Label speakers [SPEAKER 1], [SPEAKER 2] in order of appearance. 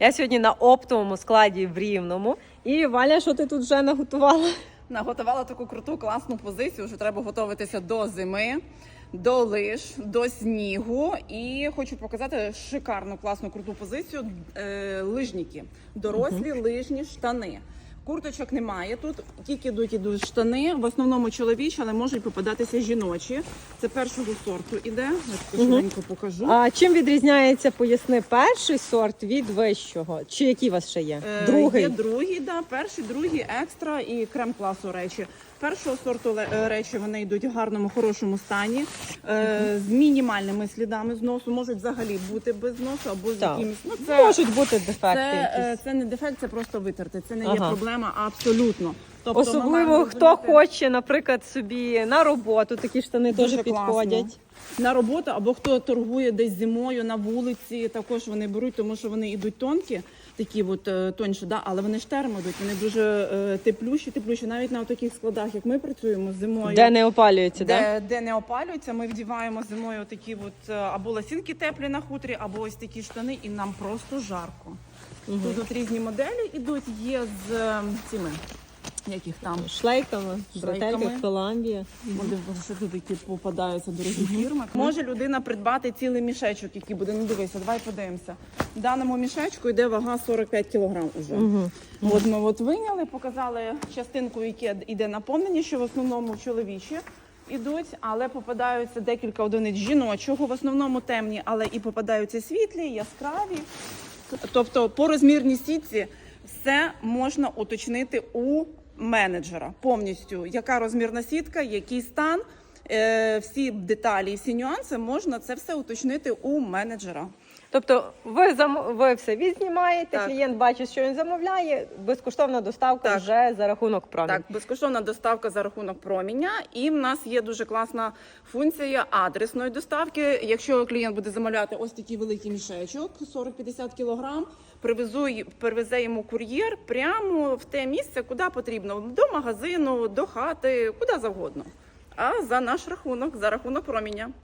[SPEAKER 1] Я сьогодні на оптовому складі в Рівному. І Валя, що ти тут вже наготувала?
[SPEAKER 2] Наготувала таку круту, класну позицію. Вже треба готуватися до зими, до лиж, до снігу. І хочу показати шикарну, класну, круту позицію. Лижники. Дорослі лижні штани. Курточок немає тут, тільки йдуть штани, в основному чоловічі, але можуть попадатися жіночі. Це першого сорту іде, я швиденько покажу.
[SPEAKER 1] А чим відрізняється, поясни, перший сорт від вищого? Чи які у вас ще є? Другий?
[SPEAKER 2] Є другий, да, перший, другий, екстра і крем-класу речі. Першого сорту речі вони йдуть в гарному, хорошому стані, з мінімальними слідами зносу, можуть взагалі бути без зносу або з якимось. Ну,
[SPEAKER 1] можуть бути дефекти якісь.
[SPEAKER 2] Це не дефект, це просто витерти, це не є проблема абсолютно. Тобто,
[SPEAKER 1] особливо, хто хоче, наприклад, собі на роботу, такі штани теж підходять.
[SPEAKER 2] На роботу, або хто торгує десь зимою на вулиці, також вони беруть, тому що вони йдуть тонкі, такі от тонші, да? Але вони ж термодуть, вони дуже теплющі, навіть на таких складах, як ми працюємо зимою.
[SPEAKER 1] Де не опалюється, так?
[SPEAKER 2] Де не опалюється, ми вдіваємо зимою такі от або лосінки теплі на хутрі, або ось такі штани, і нам просто жарко. Тут от різні моделі йдуть, є з цими, яких там?
[SPEAKER 1] Шлейками, Брателька, Коламбія.
[SPEAKER 2] Що тут такі попадаються дорогі фірми. Може людина придбати цілий мішечок, який буде, ну дивися, давай подивимося. В даному мішечку йде вага 45 кг уже. От ми от виняли, показали частинку, яке йде наповнення, що в основному чоловічі ідуть, але попадаються декілька одиниць жіночого, в основному темні, але і попадаються світлі, яскраві. Тобто по розмірній сітці все можна уточнити у менеджера повністю, яка розмірна сітка, який стан, всі деталі, всі нюанси, можна це все уточнити у менеджера.
[SPEAKER 1] Тобто ви все відзнімаєте, клієнт бачить, що він замовляє, безкоштовна доставка вже за рахунок проміння.
[SPEAKER 2] Так, безкоштовна доставка за рахунок проміння. І в нас є дуже класна функція адресної доставки. Якщо клієнт буде замовляти ось такий великий мішечок, 40-50 кг, привезе йому кур'єр прямо в те місце, куди потрібно, до магазину, до хати, куди завгодно. А за наш рахунок, за рахунок проміння.